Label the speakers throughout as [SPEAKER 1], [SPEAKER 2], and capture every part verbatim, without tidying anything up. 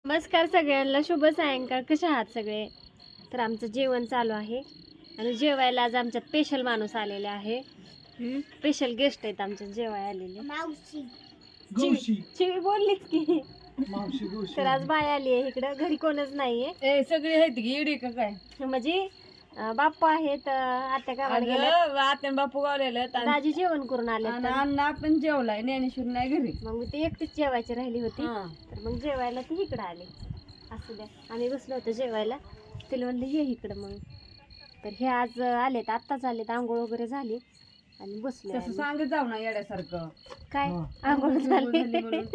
[SPEAKER 1] नमस्कार सगळ्यांना, शुभ सायंकाळ. कशा आहात सगळे? तर आमचं जेवण चालू आहे आणि जेवायला आज आमच्यात स्पेशल माणूस आलेले आहे. स्पेशल गेस्ट आहेत आमच्यात जेवायला आलेले.
[SPEAKER 2] मावशी
[SPEAKER 1] चिवी चिवी बोललीच की.
[SPEAKER 3] मावशी गोशी
[SPEAKER 1] तर आज बाय आली आहे इकडं, घरी कोणच नाहीये.
[SPEAKER 4] ए सगळी आहेत की इडी का काय?
[SPEAKER 1] म्हणजे अं, बाप्पा आहेत, अं, आत्या गावाला गेल्या,
[SPEAKER 4] अगं आत्यान बापू गावलेलं आणि
[SPEAKER 1] दाजी जेवण करून आले.
[SPEAKER 4] अण्णा पण जेवलाय, ज्ञानेश्वर नाही घरी.
[SPEAKER 1] मग मी ती एकटीच जेवायची राहिली होती.
[SPEAKER 4] हा.
[SPEAKER 1] तर मग जेवायला ती इकडं आली. असू द्या, आम्ही बसलो होतो जेवायला. तिला म्हणलं ये इकडं. मग तर हे आज आलेत, आत्ताच आलेत, आंघोळ वगैरे झाली आणि बसले.
[SPEAKER 4] तसं सांगत जाऊ ना येड्यासारखं.
[SPEAKER 1] काय
[SPEAKER 3] हा.
[SPEAKER 1] आंघोळ झाली
[SPEAKER 4] म्हणून.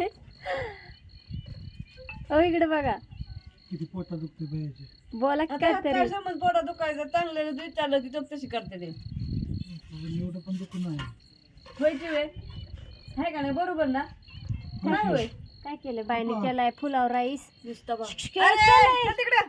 [SPEAKER 1] हो इकडे बघा,
[SPEAKER 3] किती पोटा दुखते बायाचे.
[SPEAKER 1] बोला की
[SPEAKER 4] आता
[SPEAKER 1] काय
[SPEAKER 4] काय
[SPEAKER 1] तरी.
[SPEAKER 4] समज पोटा दुखायचं चांगलं विचारलं की चोप तशी करते ते.
[SPEAKER 3] एवढं पण दुखू नाही.
[SPEAKER 4] व्हायची वेळ आहे का नाही? बरोबर ना? नाही होय.
[SPEAKER 1] काय केलं बाईने? केलाय पुलाव राईस.
[SPEAKER 4] नुसतं बघ.
[SPEAKER 1] केलं,
[SPEAKER 4] अरे,
[SPEAKER 1] केलंय.
[SPEAKER 4] चल तिकडं.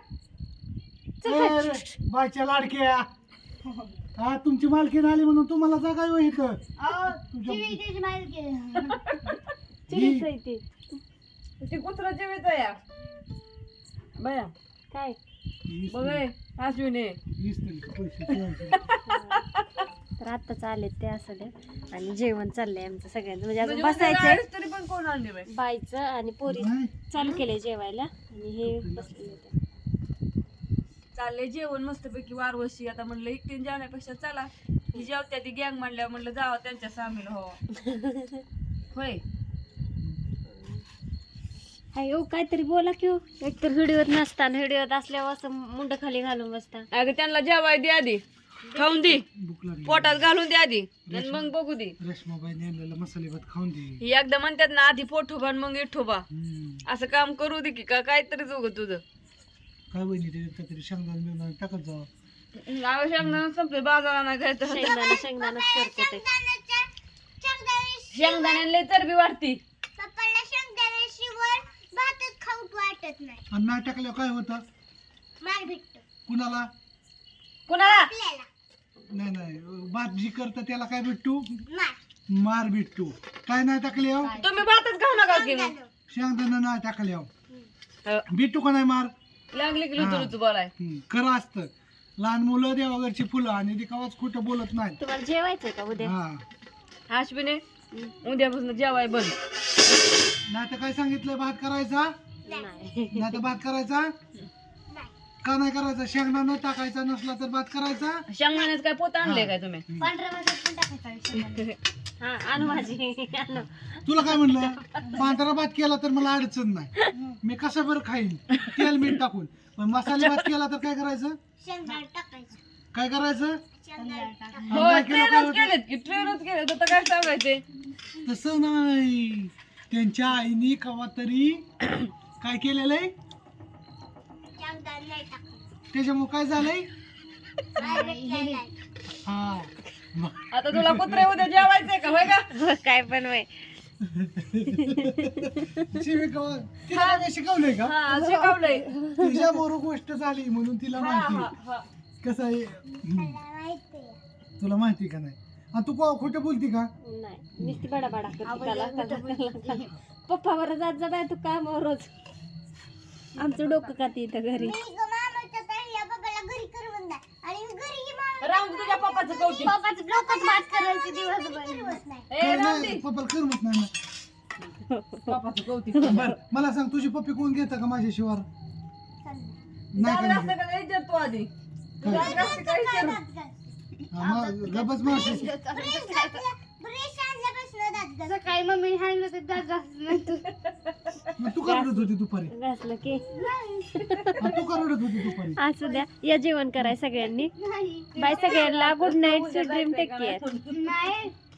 [SPEAKER 3] अरे, बायच्या लाडक्या हा तुमची मालकीन आली म्हणून तुम्हाला जागा आहे इथं. तुझ्या-
[SPEAKER 2] चिवी त्याची मालकी
[SPEAKER 1] चिरीच आहे ती.
[SPEAKER 4] ती कुत्रा जेवायचं या बया
[SPEAKER 1] काय
[SPEAKER 3] वीस
[SPEAKER 4] बघ ए, अश्विनी
[SPEAKER 3] वीस तरी पैसे ठेवायचे.
[SPEAKER 1] तर आत्ताच आलेत ते. असं द्या. आणि जेवण चाललंय आमचं सगळ्यांचं. म्हणजे अजून
[SPEAKER 4] म्हणजे
[SPEAKER 1] बसायचंय.
[SPEAKER 4] गाडीच तरी पण कोण आणली बाई?
[SPEAKER 1] बाईचं आणि पोरी
[SPEAKER 3] नाही.
[SPEAKER 1] चालू केलंय जेवायला आणि हे बसलेले होते.
[SPEAKER 4] चाललंय जेवण मस्तपैकी वारवशी. आता म्हणलं एकटीन जेवण्यापेक्षा चला ही जेवत्या ती गँग म्हणल्या, म्हणलं जावं त्यांच्या सामील हो. होय
[SPEAKER 1] अयो काहीतरी बोला की हो. एकतर व्हिडिओत नसताना व्हिडिओत असल्यावर असं मुंड खाली घालून बसता.
[SPEAKER 4] अगं त्यांना जेवाय दे आधी, खाऊन दे,
[SPEAKER 3] भूक लागली.
[SPEAKER 4] पोटात घालून दे आधी आणि मग बघू दे.
[SPEAKER 3] रेशमाबाईने आणलेला मसाले भात खाऊन दे.
[SPEAKER 4] ही एकदा म्हणतात ना आधी पोठोबा आणि मग इठोबा.
[SPEAKER 3] हम्म.
[SPEAKER 4] असं काम करू दे की का काहीतरी जोग तुझं.
[SPEAKER 3] काय बहिणी ते काहीतरी शेंगदाणे बिंगदाणे टाकत जावं.
[SPEAKER 4] आवश्यक संपले बाजारा नाही जायचं.
[SPEAKER 1] शेंगदाणा शेंगदाणाच करते ते.
[SPEAKER 4] शेंगदाण्याला चरबी वाढती.
[SPEAKER 2] पप्पाला शेंगदाण्याशिवाय भातच खाऊच वाटत नाही.
[SPEAKER 3] आणि नाही टाकल्यावर काय होतं?
[SPEAKER 2] मार भेटतो
[SPEAKER 3] कुणाला?
[SPEAKER 4] कुणाला?
[SPEAKER 2] आपल्याला
[SPEAKER 3] नाही नाही भात जी करतं त्याला काय भेटतो?
[SPEAKER 2] मार
[SPEAKER 3] मार भेटतो. काय नाही टाकल्यावर?
[SPEAKER 4] तुम्ही भातच खाऊ नका की मग.
[SPEAKER 3] शेंगदाणा नाही टाकल्यावर भेटतो का नाही मार?
[SPEAKER 4] लागली की
[SPEAKER 3] हा.
[SPEAKER 4] लुतुरुच बोलाय.
[SPEAKER 3] हम्म, खरं असतं. लहान मुलं देवाघरची फुलं आणि ते कवाच खोटं बोलत नाही.
[SPEAKER 1] तुम्हाला जेवायचंय का उद्या?
[SPEAKER 3] हा
[SPEAKER 4] अश्विने उद्यापासून जेवाय बंद.
[SPEAKER 3] नाही तर काय सांगितलंय? भात करायचा
[SPEAKER 1] नाही.
[SPEAKER 3] नाही तर भात करायचा का नाही करायचा? शेंगदाणा टाकायचा नसला तर भात करायचा.
[SPEAKER 4] शेंगदाण्याचं काय पोत आणले काय तुम्ही?
[SPEAKER 2] पांढऱ्या भातात पण टाकायचा.
[SPEAKER 1] हा आणू माझी आणू.
[SPEAKER 3] तुला काय म्हणलं? पांढरा भात केला तर मला अडचण नाही, मी कसं बरं खाईन तेल मीठ टाकून. पण मसाले भात केला तर काय करायचं?
[SPEAKER 2] शेंगदाणा टाकायचं.
[SPEAKER 3] काय करायचं?
[SPEAKER 2] शेंगदाणा टाकायचं.
[SPEAKER 3] आणि
[SPEAKER 4] हो
[SPEAKER 3] नाही केलं काय
[SPEAKER 4] ट्रेनच
[SPEAKER 3] होतं?
[SPEAKER 4] केलेत की ट्रेनच केलेत. आता काय सांगायचे?
[SPEAKER 3] तसं नाही. त्यांच्या आईने कवा तरी काय केलेलं आहे
[SPEAKER 2] शेंगदाणा नाही टाकायचं.
[SPEAKER 3] त्याच्यामुळे काय झालंय?
[SPEAKER 2] डायरेक्ट केलाय.
[SPEAKER 3] हा मग
[SPEAKER 4] आता तुला कुत्रे उद्या जेवायचंय का? होय का?
[SPEAKER 1] काय पण वय.
[SPEAKER 3] शिविका तिला काय शिकवलंय का?
[SPEAKER 4] हा शिकवलंय.
[SPEAKER 3] तुझ्याबरोबर गोष्ट झाली म्हणून तिला
[SPEAKER 4] हा, हा,
[SPEAKER 3] माहिती
[SPEAKER 4] हा.
[SPEAKER 3] कसं आहे. हम्म.
[SPEAKER 2] मला माहितीये.
[SPEAKER 3] तुला माहिती का नाही? आणि तू को- खोटं बोलती का?
[SPEAKER 1] नाही नुसती बडा बडा करते. पप्पा बरं जात जा बाय तू काम रोज. आमचं डोकं का इथं घरी.
[SPEAKER 2] मी ग मामाच्या ताईला बाबाला घरी करवून द्या. आणि मी घरी ही मामा
[SPEAKER 4] राहून दे तुझ्या पप्पाचं कौतिक.
[SPEAKER 2] पप्पाचं डोकंच भात करायचे दिवसभर करवत नाही.
[SPEAKER 4] ए
[SPEAKER 3] काय
[SPEAKER 4] राहून
[SPEAKER 3] नाही,
[SPEAKER 4] दे.
[SPEAKER 3] पप्पाला करमत नाही ना.
[SPEAKER 4] पप्पाचं कौतिक.
[SPEAKER 3] बरं मला सांग, तुझी पप्पी कोण घेतं का माझ्याशिवाय? नाही
[SPEAKER 4] जात
[SPEAKER 3] का
[SPEAKER 4] असतं
[SPEAKER 3] नाही?
[SPEAKER 4] का नाही विचार तू आधी.
[SPEAKER 3] काय?
[SPEAKER 4] जात असतं का विचार.
[SPEAKER 3] हा, मग गबस मावशी.
[SPEAKER 2] सकाळी मम्मी सांगितलं तर दात घासत नाही तू.
[SPEAKER 3] मग तू का रडत होती दुपारी?
[SPEAKER 1] घासलं की.
[SPEAKER 3] हा, तू का रडत होती दुपारी?
[SPEAKER 1] असू द्या, या जेवण कराय सगळ्यांनी.
[SPEAKER 2] नाही
[SPEAKER 1] बाय सगळ्यांना. Good night, sweet dream, take care.
[SPEAKER 2] नाही